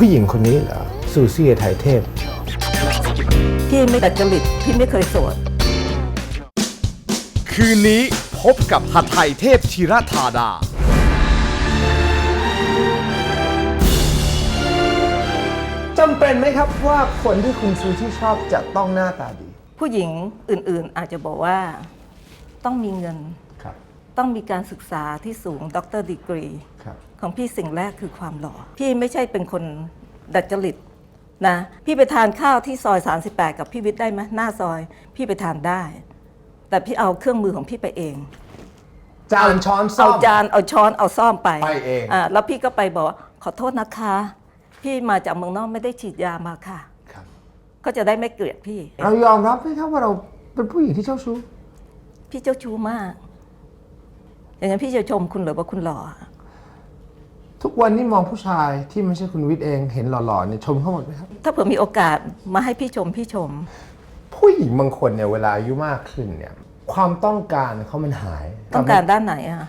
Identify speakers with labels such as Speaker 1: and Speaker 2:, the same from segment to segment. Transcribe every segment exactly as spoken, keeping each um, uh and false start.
Speaker 1: ผู้หญิงคนนี้เหรอซูซี่ไทยเทพ
Speaker 2: พี่ไม่ดัดจริตพี่ไม่เคยโสด
Speaker 3: คืนนี้พบกับหทัยเทพธีรธาดา
Speaker 1: จำเป็นไหมครับว่าคนที่คุณซูซี่ชอบจะต้องหน้าตาดี
Speaker 2: ผู้หญิงอื่นๆอาจจะบอกว่าต้องมีเงินต้องมีการศึกษาที่สูงด็อกเตอร์ดีกรีของพี่สิ่งแรกคือความหล่อพี่ไม่ใช่เป็นคนดัดจริตนะพี่ไปทานข้าวที่ซอยสามสิบแปดกับพี่วิทย์ได้ไหมหน้าซอยพี่ไปทานได้แต่พี่เอาเครื่องมือของพี่ไปเอง
Speaker 1: จานช้อนซ่อม
Speaker 2: เอาจานเอาช้อนเอาซ่อมไป
Speaker 1: ไปเอง
Speaker 2: อ่าแล้วพี่ก็ไปบอกขอโทษนะคะพี่มาจากเมืองนอกไม่ได้ฉีดยามาค่ะก็จะได้ไม่เกลียดพี่
Speaker 1: เรายอมรับไหมครับว่าเราเป็นผู้หญิงที่เจ้าชู้
Speaker 2: พี่เจ้าชู้มากอย่างนั้นพี่จะชมคุณหรือว่าคุณหล่อ
Speaker 1: ทุกวันนี้มองผู้ชายที่ไม่ใช่คุณวิทย์เองเห็นหล่อๆเนี่ยชมเขาหมดไหมครับ
Speaker 2: ถ้าเผื่อมีโอกาสมาให้พี่ชมพี่ชม
Speaker 1: ผู้หญิงบางคนเนี่ยเวลาอายุมากขึ้นเนี่ยความต้องการเขามันหาย
Speaker 2: ต้องการด้านไหนอะ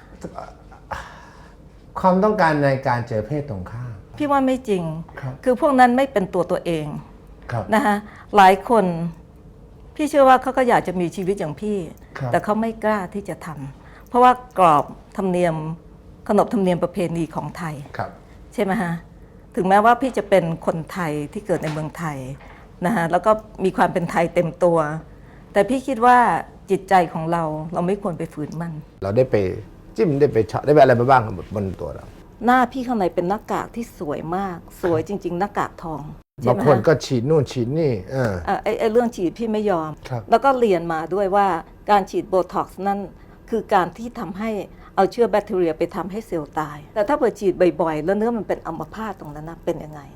Speaker 1: ความต้องการในการเจอเพศตรงข้าม
Speaker 2: พี่ว่าไม่จริง ค, คือพวกนั้นไม่เป็นตัวตัวเองนะคะหลายคนพี่เชื่อว่าเขาก็อยากจะมีชีวิตอย่างพี่แต่เขาไม่กล้าที่จะทำเพราะว่ากรอบธรรมเนียมขนบธรรมเนียมประเพณีของไทยใช่ไหมฮะถึงแม้ว่าพี่จะเป็นคนไทยที่เกิดในเมืองไทยนะฮะแล้วก็มีความเป็นไทยเต็มตัวแต่พี่คิดว่าจิตใจของเราเราไม่ควรไปฝืนมัน
Speaker 1: เราได้ไปจิ้มได้ไปเฉาะได้ไปอะไรมาบ้างบนตัวเรา
Speaker 2: หน้าพี่ข้างในเป็นหน้ากากที่สวยมากสวยจริงๆหน้ากากทอง
Speaker 1: บางคนก็ฉีดนู่นฉีดนี่เออ
Speaker 2: ไอ้ไอ้เรื่องฉีดพี่ไม่ยอมแล้วก็เรียนมาด้วยว่าการฉีดโบท็อกซ์นั่นคือการที่ทำให้เอาเชื้อแบคทีเรียไปทำให้เซลล์ตายแต่ถ้าเกิดฉีดบ่อยๆแล้วเนื้อมันเป็นอัมพาตตรงนั้นนะเป็นยังไง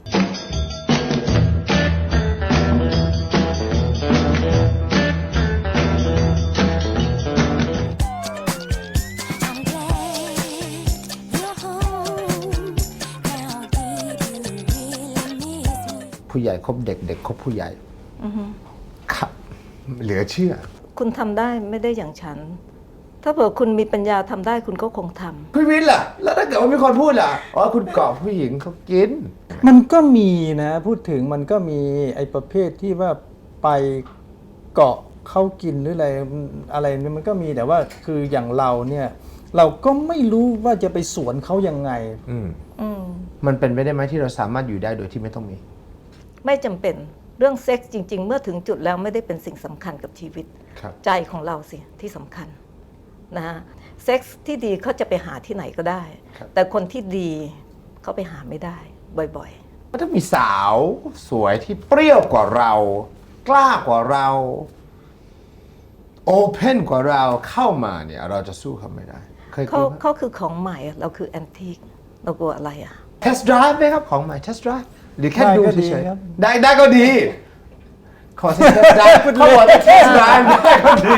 Speaker 1: ผู้ใหญ่คบเด็กเด็กคบผู้ใหญ่ครับเหลือเชื่อ
Speaker 2: คุณทำได้ไม่ได้อย่างฉันถ้าเผื่อคุณมีปัญญาทำได้คุณก็คงทำ
Speaker 1: พี่วินล่ะแล้วถ้าเกิดว่ามีคนพูดล่ะอ๋อคุณเกาะผู้หญิงเขากิน
Speaker 4: มันก็มีนะพูดถึงมันก็มีไอ้ประเภทที่ว่าไปเกาะเขากินหรืออะไรอะไรนี่มันก็มีแต่ว่าคืออย่างเราเนี่ยเราก็ไม่รู้ว่าจะไปสวนเขายังไง
Speaker 1: อืมอืมมันเป็นไปได้ไหมที่เราสามารถอยู่ได้โดยที่ไม่ต้องมี
Speaker 2: ไม่จำเป็นเรื่องเซ็กส์จริงๆเมื่อถึงจุดแล้วไม่ได้เป็นสิ่งสำคัญกับชีวิตใจของเราสิที่สำคัญนะฮะเซ็กส์ที่ดีเขาจะไปหาที่ไหนก็ได้แต่คนที่ดีเขาไปหาไม่ได้บ่อย
Speaker 1: ๆถ้ามีสาวสวยที่เปรี้ยวกว่าเรากล้ากว่าเราโอเพนกว่าเราเข้ามาเนี่ยเราจะสู้เขาไม่ได้
Speaker 2: เขาเขาคือของใหม่เราคือแอนทิคเรากลัวอะไรอะ
Speaker 1: เทสต์ไดรฟ์ไหมครับของใหม่เทสต์ไดรฟ์หรือแค่ดูเฉยๆได้ได้ก็ดีขอเทสต์ไดรฟ์เขาบอกเทสต์ไดรฟ์ได้ก็ดี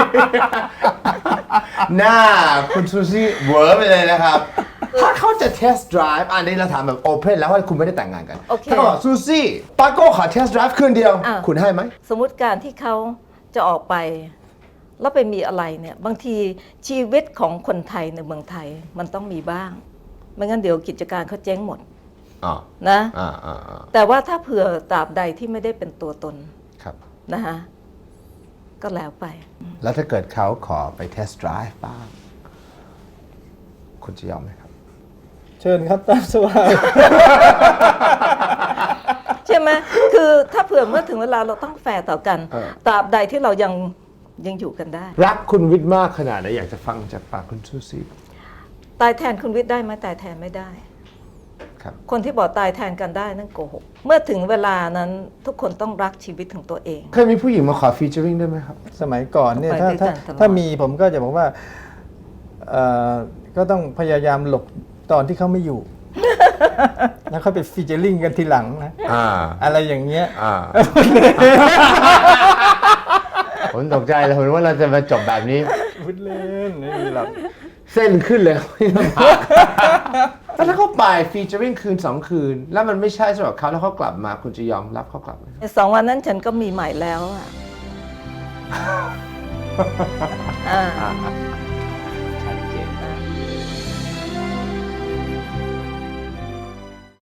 Speaker 1: หน้าคุณซูซี่เวอร์ไปเลยนะครับถ้าเขาจะเทสต์ไดรฟ์อันนี้เราถามแบบโอเพนแล้วว่าคุณไม่ได้แต่งงานกันถ้าบอกซูซี่ปาโก้ขอเทสต์ไดรฟ์คืนเดียวคุณให้ไหม
Speaker 2: สมมุติการที่เขาจะออกไปแล้วไปมีอะไรเนี่ยบางทีชีวิตของคนไทยในเมืองไทยมันต้องมีบ้างไม่งั้นเดี๋ยวกิจการเขาเจ๊งหมดนะแต่ว่าถ้าเผื่อตราบใดที่ไม่ได้เป็นตัวตนนะฮะก็แล้วไป
Speaker 1: แล้วถ้าเกิดเขาขอไปเทสต์ไดรฟ์บ้างคุณจะยอมไหมครับ
Speaker 4: เชิญครับตามสบาย
Speaker 2: ใช่ไหมคือถ้าเผื่อเมื่อถึงเวลาเราต้องแฟร์ต่อกันตราบใดที่เรายังยังอยู่กันได้
Speaker 1: รักคุณวิทย์มากขนาดไหนอยากจะฟังจากปากคุณซูซี่
Speaker 2: ตายแทนคุณวิทย์ได้ไหมตายแทนไม่ได้คนที่บอกตายแทนกันได้นั่นโกหกเมื่อถึงเวลานั้นทุกคนต้องรักชีวิตของตัวเอง
Speaker 1: เคยมีผู้หญิงมาขอฟีเจอริ่งได้ไหมครับ
Speaker 4: สมัยก่อนเนี่ยถ้าถ้าถ้ามีผมก็จะบอกว่าก็ต้องพยายามหลบตอนที่เขาไม่อยู่แล้วค่อยไปฟีเจอริ่งกันทีหลังนะอะไรอย่างเงี้ย
Speaker 1: ผมตกใจเลยผมว่าเราจะมาจบแบบนี้
Speaker 4: พูดเล่นไม่มีหรอก
Speaker 1: เส้นขึ้นเลยแล้วถ้าเขาไปฟีเจอริ่งคืนสองคืนแล้วมันไม่ใช่สำหรับเขาแล้วเขากลับมาคุณจะยอมรับเขากลับไหม
Speaker 2: สองวันนั้นฉันก็มีใหม่แล้วอ่ะ